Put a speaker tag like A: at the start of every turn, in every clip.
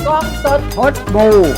A: กล้องสด
B: พดบู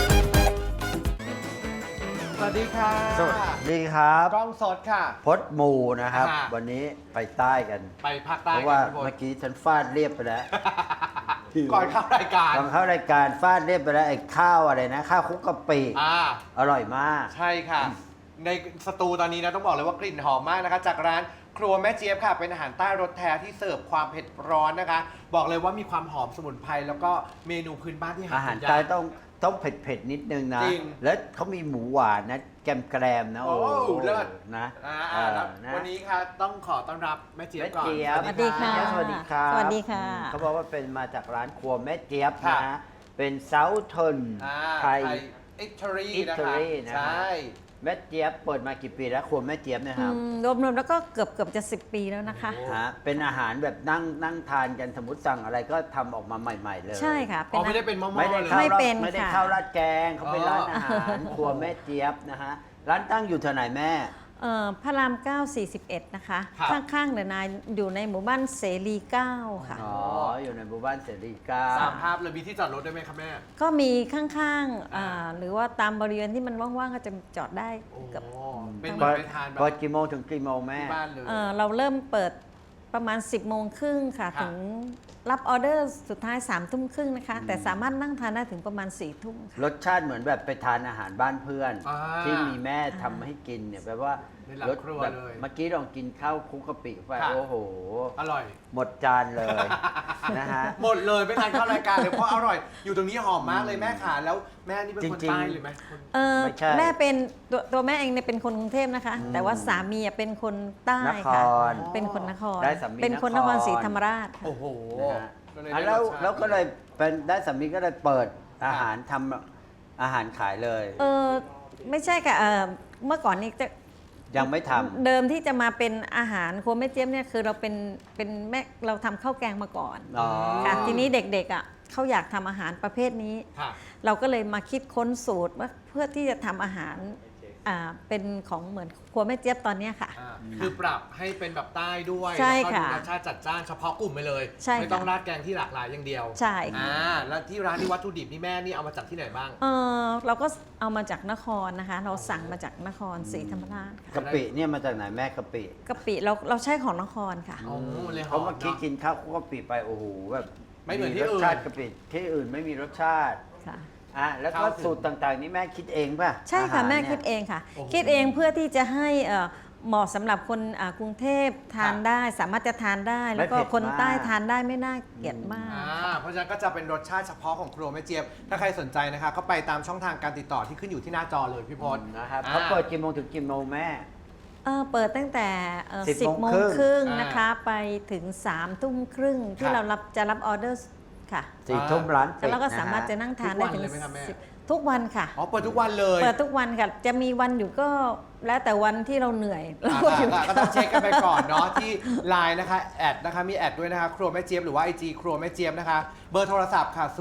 A: สวัสดีค่ะ
B: สวัสดีครับ
A: กล้องสดค่ะ
B: พดมูนะครับ
A: ค่ะ
B: วันนี้ไปใต้กัน
A: ไปภาคใต้
B: เพราะว่า
A: กันพี่พล
B: เมื่อกี้ฉันฟาดเรียบไปแล้ว
A: ก่อนเข้ารายการ
B: ตอนเข้ารายการฟาดเรียบไปแล้วไอ้ข้าวอะไรนะ ข้าวคลุกกะปิ อร่อยมาก
A: ใช่ค่ะ ในสตูตอนนี้นะต้องบอกเลยว่ากลิ่นหอมมากนะคะ จากร้านครัวแม่เจี๊ยบค่ะ เป็นอาหารใต้รสแท้ที่เสิร์ฟความเผ็ดร้อนนะคะ บอกเลยว่ามีความหอมสมุนไพรแล้วก็เมนูพื้นบ้านที่หา
B: อาหาร
A: กินย
B: ใต้
A: ก
B: ต้องเผ็ดๆนิดนึงนะ
A: จริง
B: แล้วเขามีหมูหวานนะแกรมๆนะ
A: โอ้เลิศ
B: นะ
A: แล้ว
B: นะ
A: วันนี้ค่ะต้องขอต้อนรับแม่เจี๊ยบ
B: แม่
A: ก่อน
B: เจี๊ยบ
C: สวัสดีค่ะ
B: สวัสดีครับ
C: สวัสดีค่ะ
B: เขาบอกว่าเป็นมาจากร้านครัวแม่เจี๊ยบ
A: ค่ะ
B: นะเป็นเซาท์เทิร์นไทย
A: อิตาลี
B: อิ
A: นะ
B: ตา
A: คะ
B: ลีนะ
A: ใช่
B: แม่เจี๊ยบเปิดมากี่ปีแล้วครัวแม่เจี๊ยบเนะครับ
C: รวมๆแล้วก็เกือบจะ10 ปีแล้วนะคะ
B: ฮะเป็นอาหารแบบนั่งทานกันสมมติสั่งอะไรก็ทำออกมาใหม่ ๆ เลย
C: ใช่ค่ะ
A: อ๋อไม่ได้เป็นหม้อ
B: ไม่
A: ๆ
B: ได้
A: เลย
B: ข้าว
C: ไม่
B: ราด
C: เป็น
B: ไม่ได้
C: ค่ะ
B: ข้าวราดแกงเขาเป็นร้านอาหารครัวแม่เจี๊ยบนะฮะร้านตั้งอยู่แถวไหนแม่
C: พระราม 9 41 นะคะ
A: ครับ
C: ข้างๆเดนายอยู่ในหมู่บ้านเสรี 9 ค่ะ
B: อ๋ออยู่ในหมู่บ้านเสรีก้า
A: สามภาพเลยมีที่จอดรถได้ไหมครับแม่
C: ก็มีข้างๆหรือว่าตามบริเวณที่มันว่างๆ ก็จะจอดได้
A: โอ้
C: เกือบ
A: เป็นเหมือนไปทานแบบ
B: เปิดกี่โมงถึงกี่โมงแม่
A: ที่บ้านเลย
C: เราเริ่มเปิดประมาณ 10 โมงครึ่งค่ะ
A: ค่ะ
C: ถึงรับออเดอร์สุดท้าย 3 ทุ่มครึ่งนะคะ แต่สามารถนั่งทานได้ถึงประมาณ 4 ทุ่มค่ะ
B: รสชาติเหมือนแบบไปทานอาหารบ้านเพื่อน
A: อ่า
B: ที่มีแม่ทำให้กินเนี่ยแปลว่า
A: ในหลังครัว
B: แบบ
A: เลย
B: เมื่อกี้ลองกินข้าวคลุกกะปิไป
A: ค่ะ
B: โอ้โห
A: อร่อย
B: หมดจานเลย นะฮะ
A: หมดเลยไม่ทานเข้ารายการเลยเพราะอร่อย อยู่ตรงนี้หอมมากเลยแม่ขาแล้วแม่นี่เป็นคน
B: จริงๆ
A: ใต้หรือไหมคน
B: ไม่ใช่
C: แม่เป็นตัวแม่เองเนี่ยเป็นคนกรุงเทพนะคะ แต่ว่าสามีเป็นคนใต้
B: นค
C: ค่ะ
B: ร
C: เป็นคนนคร
B: ได้สามี
C: เป็นคน
B: น
C: น
B: ค
C: ค
B: ร
C: รศรีธรรมราชค่ะ
A: โอ้โห
B: นะฮะ
A: ก็เลย
B: อ่ะ
A: ได้
B: แล้ว
A: รสชาติ
B: แล้วก็เลยเป็นได้สามีก็เลยเปิดอาหารทำอาหารขายเลย
C: ไม่ใช่ค่ะเมื่อก่อนนี้จะ
B: ยังไม่ทำ
C: เดิมที่จะมาเป็นอาหารครัวแม่เจี๊ยบเนี่ยคือเราเป็นแม่เราทำข้าวแกงมาก่อน
B: อ๋อ
C: ค่ะทีนี้เด็กๆเขาอยากทำอาหารประเภทนี้
A: ค่ะ
C: เราก็เลยมาคิดค้นสูตรว่าเพื่อที่จะทำอาหารเป็นของเหมือนครัวแม่เจี๊ยบตอนเนี้ยค่ะ
A: คือปรับให้เป็นแบบใต้ด้วย
C: ใช่
A: แล้วก็
C: ค่ะ
A: ดูรสชาติจัดจ้านเฉพาะกลุ่มไปเลย
C: ใช่ค่ะ
A: ไม่ต้องราดแกงที่หลากหลายอย่างเดียว
C: ใช่ค่ะ
A: แล้วที่ร้านนี่วัตถุดิบนี่แม่นี่เอามาจากที่ไหนบ้าง
C: เราก็เอามาจากนครนะคะ เราสั่งมาจากนครศรีธรรมราชค่ะ
B: กะปิเนี่ยมาจากไหนแม่กะปิ
C: กะปิเราใช้ของนครค่ะ
A: อ๋อเลยห
B: เพ
A: อ
B: ราะ
A: ม
B: เมื่อกี้
A: เนาะ
B: กินข้าวคลุกกะปิไปโอ้โหแบบ
A: ไม่เหมือนที่
B: ร
A: อื่
B: ส
A: น
B: ชาติกะปิที่อื่นไม่มีรสชาติ
C: ค่ะ
B: แล้วก็
A: เข้าถึง
B: สูตรต่างๆ นี่แม่คิดเองป่ะ
C: ใช่ค่ะ
B: อาหาร
C: แม่
B: เนี่ย
C: คิดเองค่ะ
A: โอ้โห
C: คิดเองเพื่อที่จะให้เหมาะสำหรับคนกรุงเทพทาน
A: ค่ะ
C: ได้ สามารถจะทานได้ แล้วก็
B: ไม่เผ็ด
C: คนใต้
B: มาก
C: ทานได้ไม่น่าเกลียดมาก
A: เพราะฉะนั้นก็จะเป็นรสชาติเฉพาะของครัวแม่เจี๊ยบ ถ้าใครสนใจนะคะ ก็ไปตามช่องทางการติดต่อที่ขึ้นอยู่ที่หน้าจอเลยพี่พศ
B: นะครับ
A: อ่า
B: เขาเปิดกี่โมงถึงกี่โมงแม่
C: เปิดตั้งแต่
B: 10
C: 10 โมง
B: โมง
C: ครึ่ง
A: อ่าน
C: นะคะ ไปถึง 3 ทุ่มครึ่งที่
A: ค่ะ
C: เราจะรับออเดอร์ค่ะ
B: 4 ทุ่มร้านปิด
C: แล้วก็
B: นะ
C: สามารถจะ
B: ฮะ
C: นั่งทานได้ถึง
A: ทุกวันเลยไหมครับแม่
C: ทุกวันค่ะ
A: อ๋อเปิดทุกวันเลย
C: เปิดทุกวันค่ะ จะมีวันอยู่ก็แล้วแต่วันที่เราเหนื่อยเราก็หยุด
A: ก็ต้องเช็คกันไปก่อนเนาะที่ไลน์นะคะแอดนะคะมีแอดด้วยนะคะครัวแม่เจี๊ยบหรือว่า IG ครัวแม่เจี๊ยบนะคะ เบอร์โทรศัพท์ค่ะ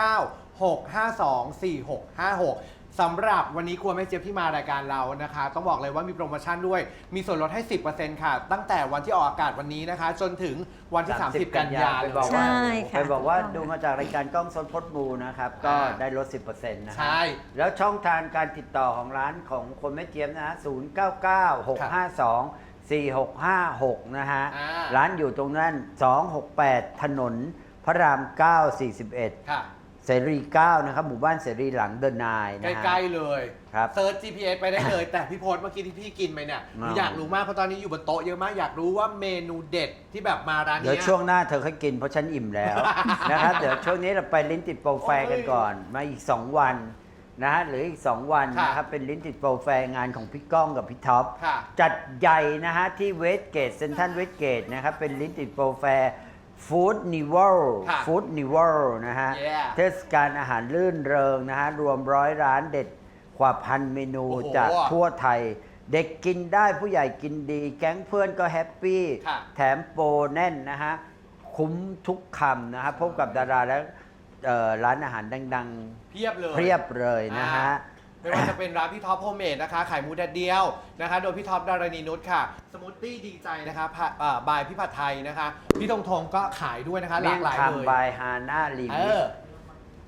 A: 0996524656 สำหรับวันนี้ครัวแม่เจี๊ยบที่มารายการเรานะคะ ต้องบอกเลยว่ามีโปรโมชั่นด้วย มีส่วนลดให้ 10% ค่ะ ตั้งแต่วันที่ออกอากาศวันนี้นะคะ จนถึงวันที่ 30 กันยายน
B: ไปบอก
C: ใช่
B: ว่า
C: ค่ะ
B: ไปบอกว่า
C: ถูกต้อง
B: ดูมาจากรายการกล้องสดพดบูนะครับ ก็ได้ลด 10%นะค
A: ใช่
B: รับแล้วช่องทางการติดต่อของร้านของคนแม่เจี๊ยบนะฮะ0996524656 นะฮะ ร้านอยู่ตรงนั้น 268 ถนนพระราม 9 41
A: ค่ะ
B: เสรี 9 นะครับ หมู่บ้านเสรีหลังเดินนายนะฮะ
A: ใกล้ๆเลย
B: ครับ
A: เซิร์ช GPS ไปได้เลย แต่พี่โพสเมื่อกี้ที่พี่กินไปเนี่ยหนู
B: อ๋อ
A: อ
B: อ
A: ยากรู้มากเพราะตอนนี้อยู่บนโต๊ะเยอะมากอยากรู้ว่าเมนูเด็ดที่แบบมาร้าน
B: เดี๋ยว
A: เนี้ย
B: ช่วงหน้าเธอค่อยกินเพราะฉันอิ่มแล้ว นะครับ เดี๋ยวช่วงนี้เราไปลิ้นติดโปรแฟร์กันก่อน มาอีก 2 วันนะฮะหรืออีก 2 วัน
A: ค่ะ
B: นะครับ เป็นลิ้นติดโปรแฟร์งานของพี่ก้องกับพี่ท็อป
A: ค่ะ
B: จัดใหญ่นะฮะที่เวสเกตเซนทันเวสเกตนะครับ เป็นลิ้นติดโปรแฟร์ฟู้ดนิวล
A: ค่ะ
B: ฟู้ดนิวลนะฮะ
A: Yeah
B: เทศกาลอาหารลื่นเริงนะฮะ รวม100 ร้านเด็ดกว่าพันเมนู
A: โอ้โห
B: จากทั่วไทย เด็กกินได้ผู้ใหญ่กินดี แก๊งเพื่อนก็แฮปปี้
A: ค่ะ
B: แถมโปรแน่นนะฮะ คุ้มทุกคำนะฮะพบกับดาราและร้านอาหารดัง
A: เพียบเลย
B: ๆเพียบเลยนะฮะ
A: ไม่ว่าจะเป็นร้านพี่ท็อปโฮมเมดนะคะขายหมูแดดเดียวนะคะ โดยพี่ท็อปดารณีนุชค่ะ สมูทตี้ดีใจนะคะบายพี่ผัดไทยนะคะ พี่ธงก็ขายด้วยนะคะ หลากหลาย
B: เมี่ยง
A: เลย
B: คำบายฮาน่าลี
A: เอ
B: มิ
A: อ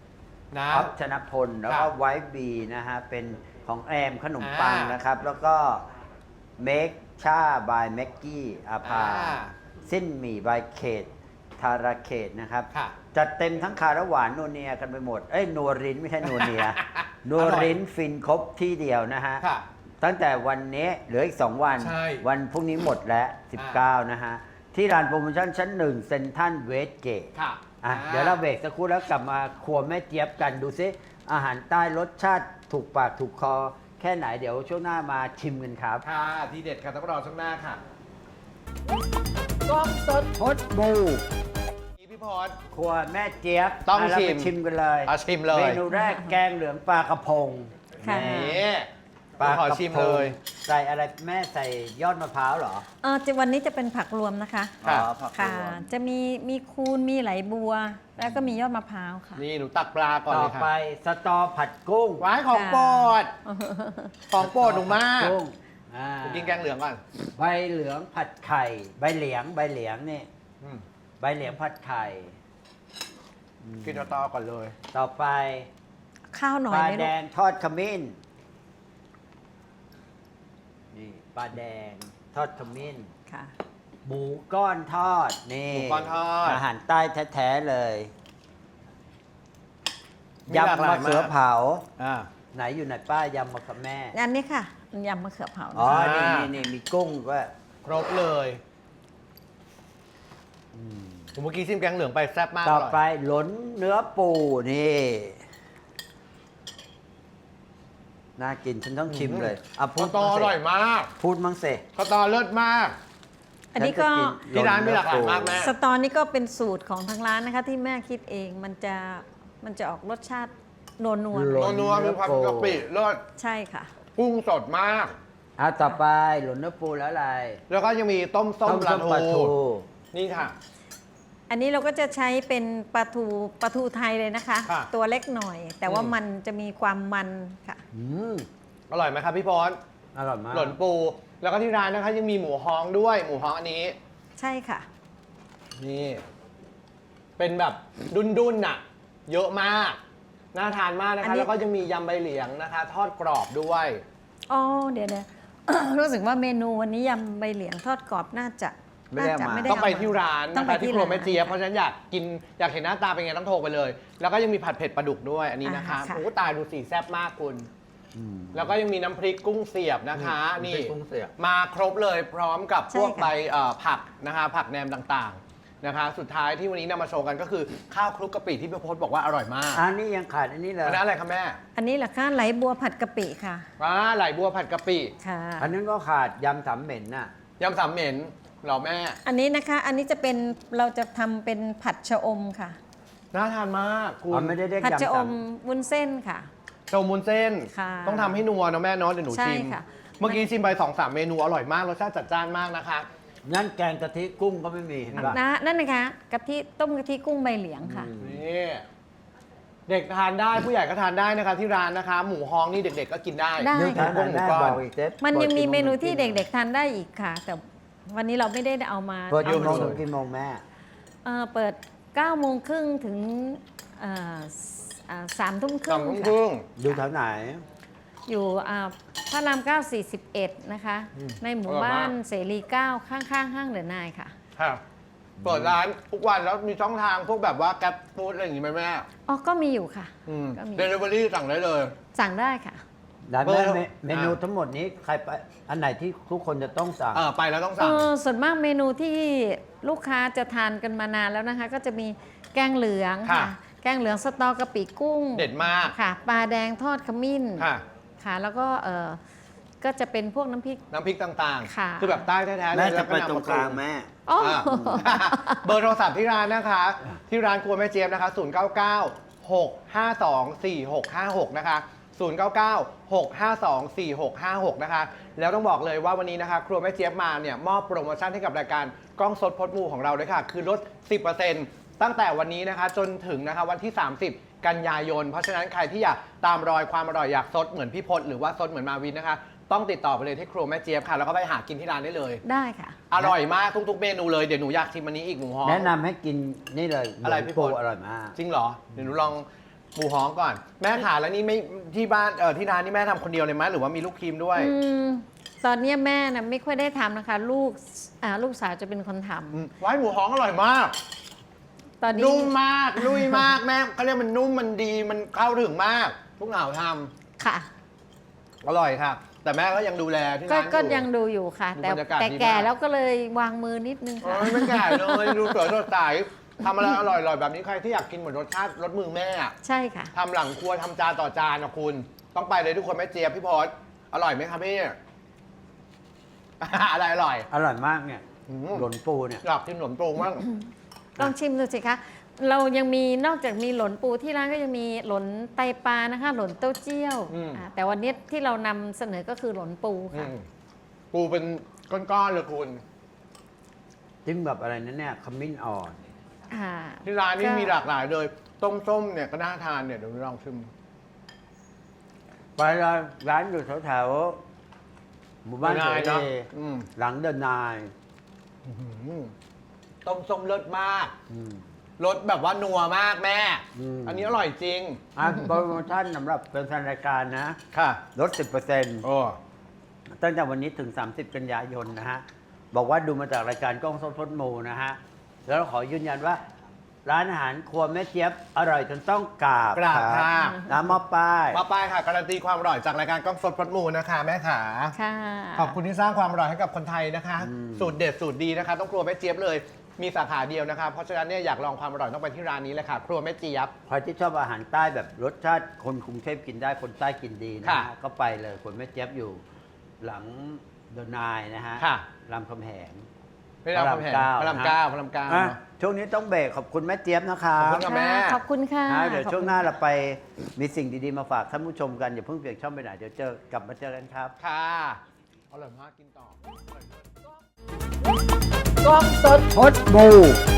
A: นะ
B: ออฟชนพลแล้วก็
A: ค่ะ
B: ไวท์บีนะฮะเป็นของแอมขนมปัง
A: อ่าน
B: นะครับ แล้วก็เมคชาบายแม็กกี้อาภา
A: อ่า
B: สิ้นหมี่บายเขตธาราเขตนะครับ
A: ค่ะ
B: จัดเต็มทั้งคาระหวานนัวเนียกันไปหมด เอ้ยนัวรินไม่ใช่นัวเนี ย นัวรินฟินครบที่เดียวนะฮะ
A: ค่ะ
B: ตั้งแต่วันนี้เหลืออีก 2 วัน
A: ใช่
B: วันพรุ่งนี้หมดแล้ว 19 นะฮะ ที่ร้านโปรโมชั่นชั้น 1 เซ็นทรัลเวสเกต
A: ค่ะ
B: เดี๋ยวเราเบรกสักครู่แล้วกลับมาครัวแม่เจี๊ยบกันดูซิ อาหารใต้รสชาติถูกปากถูกคอ แค่ไหนเดี๋ยวช่วงหน้ามาชิมกันครับ
A: ค่ะทีเด็ดค่ะต้องรอช่วงหน้าค่ะ
B: กล้องสดพดบู
A: พี่พร
B: ครัวแม่เจี๊ยบ
A: ต้อง
B: ะเรา
A: ชิ
B: ไป
A: ม
B: ชิมกันเลย
A: เอาชิมเลย
B: เมนูแรกแกงเหลืองปลากระพง
C: ค่ะ
A: นี่
B: ปลาก
A: ขอ
B: ระ
A: ชิม
B: พ
A: เล
B: ง
A: ย
B: ใส่อะไรแม่ใส่ยอดมะพร้าวเหรอ
C: วันนี้จะเป็นผักรวมนะคะ
A: ค่ะ
B: อ๋อผัก
C: ค่ะ
B: รวม
C: จะมีคูนมีไหลบัว แล้วก็มียอดมะพร้าวค่ะ
A: นี่หนูตักปลาก่อน
B: ต่
A: เล
B: อย
A: ค่ะ
B: ไปสตอผัดกุ้ง
A: ไว้ของโปรดของโปรดหนูมาก
B: กุ้งอ่า
A: หนูกินแกงเหลืองก่อน
B: ใบเหลืองผัดไข่ ใบเหลียงนี่
A: อืม
B: ใบเหลียงผัดไข่
A: กินต่อๆก่อนเลย
B: ต่อไป
C: ข้าวหน่อ
B: ป
C: ย
B: ลา
C: ไหม
B: แด
C: ลูก
B: งทอดขมิ้นนี่ปลาแดงทอดขมิ้น
C: ค่ะ
B: หมูก้อนทอดนี่
A: หมูก้อนทอด
B: อาหารใต้แท้ๆเลย
A: มีหลากห
B: ยำ
A: ลาย
B: มะเขือ
A: มาก
B: เผา
A: อ่า
B: ไหนอยู่ไหนป้ายำมะเขือแม่
C: อันนี้ค่ะยำมะเขือเผา
B: อ๋อ
C: นะคะ
B: นี่มีกุ้งก็
A: ครบเลยผมเมื่อกี้ชิมแกงเหลืองไปแซ่บมาก
B: ต่อ
A: ร่ย
B: ไปหลนเนื้อปูนี่น่ากินฉันต้องชิมเลยอ่ะพู
A: ข้า
B: ด
A: วตออร่อยมาก
B: พูดมั้งเส
A: ข้าวตอเลิศมาก
C: อันนี้ก็
A: ที่ร้านมีหลากหลายมากแม่
C: สตอนี่ก็เป็นสูตรของทางร้านนะคะ ที่แม่คิดเองมันจะออกรสชาตินัว
B: หล
A: นัวๆมีความกะปิเลิศ
C: ๆใช่ค่ะ
A: กุ้งสดมาก
B: อ่ะต่อไปหลนเนื้อปูแล้วอะไร
A: แล้วก็ยังมีต้มส้มปลา
B: ปลา
A: ทู
B: ทู
A: นี่ค่ะ
C: อันนี้เราก็จะใช้เป็นปลาทูไทยเลยนะคะ
A: ค่ะ
C: ตัวเล็กหน่อย แต่ว่ามันจะมีความมันค่ะ
B: อืม
A: อร่อยไหมครับพี่พร
B: อร่อยมาก
A: หล่นปู แล้วก็ที่ร้านนะคะยังมีหมูฮ้องด้วย หมูฮ้องอันนี้
C: ใช่ค่ะ
A: นี่ เป็นแบบดุนๆน่ะ เยอะมาก น่าทานมากนะ
C: อัน
A: คะ
C: นี้
A: แล้วก็ยังมียำใบเหลียงนะคะ ทอดกรอบด้วย
C: อ๋อเดี๋ยว รู้สึกว่าเมนูวันนี้ยำใบเหลียงทอดกรอบน่าจะ
B: ไม่ได้เอามา
A: ต้องไปที่ร้าน
C: ต้อ
A: นะ
C: งไป
A: คะที่
C: ที่
A: ครัวแม่เจี๊ยบ
C: ร้าน
A: เพราะฉะนั้นอยากกินอยากเห็นหน้าตาเป็นไงต้องโทรไปเลย แล้วก็ยังมีผัดเผ็ดปลาดุกด้วยอันนี้นะคะ
C: อ่าค่ะ
A: โอ้ตายดูสีแซ่บมากคุณ
B: อืม
A: แล้วก็ยังมีน้ำพริกกุ้งเสียบนะคะ
B: น้ำพริ
A: นี่
B: กกุ้งเสียบ
A: มาครบเลยพร้อมกับพวก
C: ใช่ค่ะ
A: ใบผักนะคะผักแหนมต่างๆนะคะ สุดท้ายที่วันนี้นำมาโชว์กันก็คือข้าวคลุกกะปิที่พี่พศบอกว่าอร่อยมาก
B: อันนี้ยังขาดอันนี้เลย
A: อันนั้นอะไรคะแม่
C: อันนี้เหรอคะไหลบัวผัดกะปิค่ะ
A: ไหลบัวผัดกะปิ
C: ค่ะ
B: อันนั้นก็ขาดยำสามเหม็นน่ะ
A: ยำสามเหม็นเหรอแม่
C: อันนี้นะคะ อันนี้จะเป็นเราจะทำเป็นผัดชะอมค่ะ
A: น่าทานมากคุ
B: อ๋อ
A: ณ
B: ไม่ได้เรียก
C: ผัด
B: ยำ
C: ชะอ
B: สาม
C: มวุ้นเส้นค่ะ
A: โชว์มูนเส้น
C: ค่ะ
A: ต้องทำให้นัวนะแม่เนาะเดี๋ยวหนู
C: ใช่
A: ชิม
C: ค่ะ
A: เมื่อกี้ชิมไป2-3 เมนูอร่อยมากรสชาติจัดจ้านมากนะคะ
B: งั้นแกงกะทิกุ้งก็ไม่มีเห็นปะ
C: นั่นนะคะกะทิต้มกะทิกุ้งใบเหลียงค่ะ
A: นี่เด็กทานได้ผู้ใหญ่ก็ทานได้นะคะที่ร้านนะคะ หมูฮ้องนี่เด็กๆก็กินได้
C: ได้
B: เดี๋ยวทาน
A: กุ้งหมู
B: ได้
A: ก้อน
B: บอกอีกเจ๊
C: มันยังมีเมนูที่
B: บอก
C: เด็กๆทานได้อีกค่ะ แต่วันนี้เราไม่ได้เอามา
B: เปิดกี่โมง
A: เยอะ
B: ถึงกี่โมงแม่
C: เปิด9โมงครึ่งถึง3 ทุ่มค
A: สอ
C: รึ่
A: ง
C: ง
A: ทุ่มค
C: ค่ะ
A: รึ่ง
B: อยู่แถวไหน
C: อยู่พระราม9 41 นะคะ ในหมู่บ้านเสรี 9 ข้างๆ ห้างเดอะนายค่ะ
A: ค่ะเปิดร้านทุกวันแล้วมีช่องทางพวกแบบว่าแกร็บฟู้ดอะไรอย่างงี้ไหมแม่
C: อ๋อ ก็มีอยู่ค่ะ ก็มี
A: เดลิเวอรี่สั่งได้เลย
C: สั่งได้ค่ะ
B: แล้ว
A: เบอ
B: แม่
A: ร์
B: เมนูทั้งหมดนี้ใครไปอันไหนที่ทุกคนจะต้องสั่ง
A: ไปแล้วต้องสั่ง
C: ส่วนมากเมนูที่ลูกค้าจะทานกันมานานแล้วนะคะ ก็จะมีแกงเหลือง
A: ค่ะ
C: ค่ะ แกงเหลืองสตอกะปิกุ้ง
A: เด็ดมาก
C: ค่ะ ปลาแดงทอดขมิ้น
A: ค่ะ
C: ค่ะ แล้วก็ก็จะเป็นพวกน้ำพริก
A: น้ำพริกต่าง
C: ค่ะ
A: ๆ คือแบบใต้แท้ๆเลย
B: แม่จะ
A: แล้ว
B: ไป
A: ก็นำ
B: ตรง
A: มาก
B: ลางแม่
C: อ๋อ
A: อ่า เบอร์โทรศัพท์ที่ร้านนะคะ ที่ร้านครัวแม่เจี๊ยบนะคะ 099-652-4656 นะคะ 099-652-4656 นะคะ แล้วต้องบอกเลยว่าวันนี้นะคะ ครัวแม่เจี๊ยบมาเนี่ยมอบโปรโมชั่นให้กับรายการกล้องสดพดมูของเราด้วยค่ะ คือลด 10% ตั้งแต่วันนี้นะคะจนถึงนะคะวันที่ 30 กันยายน เพราะฉะนั้นใครที่อยากตามรอยความอร่อยอยากสดเหมือนพี่พศหรือว่าสดเหมือนมาวินนะคะ ต้องติดต่อไปเลยที่ครัวแม่เจี๊ยบค่ะ แล้วก็ไปหากินที่ร้านได้เลย
C: ได้ค่ะ
A: อร่อยมากทุกๆเมนูเลยเดี๋ยวหนูอยากชิมอันนี้อีกหมูฮ้อง
B: แนะนำให้กินนี่เลย
A: อะไร
B: หมู
A: พี่
B: ปู
A: พล
B: อร่อยมาก
A: จริงเหรอ เดี๋ยวหนูลองหมูฮ้องก่อนแม่ขาแล้วนี่ไม่ที่บ้านที่ร้านนี่แม่ทำคนเดียวเลยไหมหรือว่ามีลูกทีมด้วย
C: ตอนนี้แม่นะไม่ค่อยได้ทำนะคะ ลูกสาวจะเป็นคนทำ
A: ไว้หมูฮ้องอร่อยมาก
C: ตอนนี้
A: นุ่มมากลุยมากแม่เขาเรียกมันนุ่มมันดีมันเข้าถึงมากลูกหนาวท
C: ค่ะ
A: ำอร่อยค่ะ แต่แม่ก็ยังดูแลที่
C: ก็
A: ร้าน
C: ก็
A: อยู่
C: ยังดูอยู่ค่ะ
A: ดู
C: แต่
A: บรรยากาศ
C: แต่
A: ดีมาก
C: แก่แล้วก็เลยวางมือนิดนึงค่ะ
A: โอ้ยไม่แก่เลยดูสวยสดใสทำอะไรอร่อยๆแบบนี้ใครที่อยากกินเหมือนรสชาติรสมือแม่อะ
C: ใช่ค่ะ
A: ทำหลังครัวทำจานต่อจานนะคุณ ต้องไปเลยทุกคนแม่เจี๊ยบพี่พอสอร่อยไหมครับพี่ อะไรอร่อย
B: อร่อยมากเนี่ย
A: อืม
B: หล่นปูเนี่ย
A: อยากกินขนมตรงมาก
C: ลองชิมดูสิคะเรายังมีนอกจากมีหลนปูที่ร้านก็ยังมีหลนไตปลานะคะ หลนเต้าเจี้ยวแต่วันนี้ที่เรานำเสนอก็คือหลนปูค่ะ
A: ปูเป็นก้อนๆเลยคุณ
B: จิ้มแบบอะไรนั่นเนี่ยขมิ้นอ่อน
A: ที่ร้านนี้มีหลากหลายเลย ต้มส้มเนี่ยก็น่าทานเนี่ยเดี๋ยวลองชิม
B: ไปร้านอยู่แถวๆหมู่บ้าน
A: เดอะนาย
B: เส
A: เนอะ
B: รี
A: อืม
B: หลังเดินนาย
A: ต้มส้มเลิศมาก
B: อืม
A: รสแบบว่านัวมากแม่
B: อืม
A: อันนี้อร่อยจริง
B: โปรโมชั่นสำหรับเป็นแฟนรายการนะ
A: ค่ะ
B: ลด 10%
A: โอ้
B: ตั้งแต่วันนี้ถึง 30 กันยายนนะฮะ บอกว่าดูมาจากรายการกล้องสดพดมูนะฮะ แล้วขอยืนยันว่า ร้านอาหารครัวแม่เจี๊ยบอร่อยจนต้องกราบ
A: กราบ
B: ค
A: ค่ะ
B: น้ำมะป้าย
A: มาไปค่ะการันตีความอร่อยจากรายการกล้องสดพดมูนะคะแม่ขา
C: ค่ะ
A: ขอบคุณที่สร้างความอร่อยให้กับคนไทยนะคะ สูตรเด็ดสูตรดีนะคะ ต้องครัวแม่เจี๊ยบเลย มีสาขาเดียวนะคะ เพราะฉะนั้นเนี่ยอยากลองความอร่อยต้องไปที่ร้านนี้เลยค่ะ ครัวแม่เจี๊ยบ
B: ใครที่ชอบอาหารใต้แบบรสชาติคนกรุงเทพกินได้คนใต้กินดีนะ
A: ค่ะ
B: ฮะก็ไปเลยคนแม่เจี๊ยบอยู่ หลังเดอะนายนะฮะ
A: ค่ะ
B: รามคำแหง
A: ไม่ได้พระรามเก้าพระรามเก้าพระรามเก้า
B: อ่ะช่วงนี้ต้องเบรกขอบคุณแม่เจี๊ยบนะคะ
A: ขอบคุณค่ะ แม่
C: ขอบคุณค่ะ
B: นะเดี๋ยวช่วงหน้าเราไปมีสิ่งดีๆมาฝากท่านผู้ชมกันอย่าเพิ่งเปลี่ยนช่องไปไหนเดี๋ยวกลับมาเจอกันครับ
A: ค่ะอร่อยมากกินต่อ
B: กล้องสดพดบู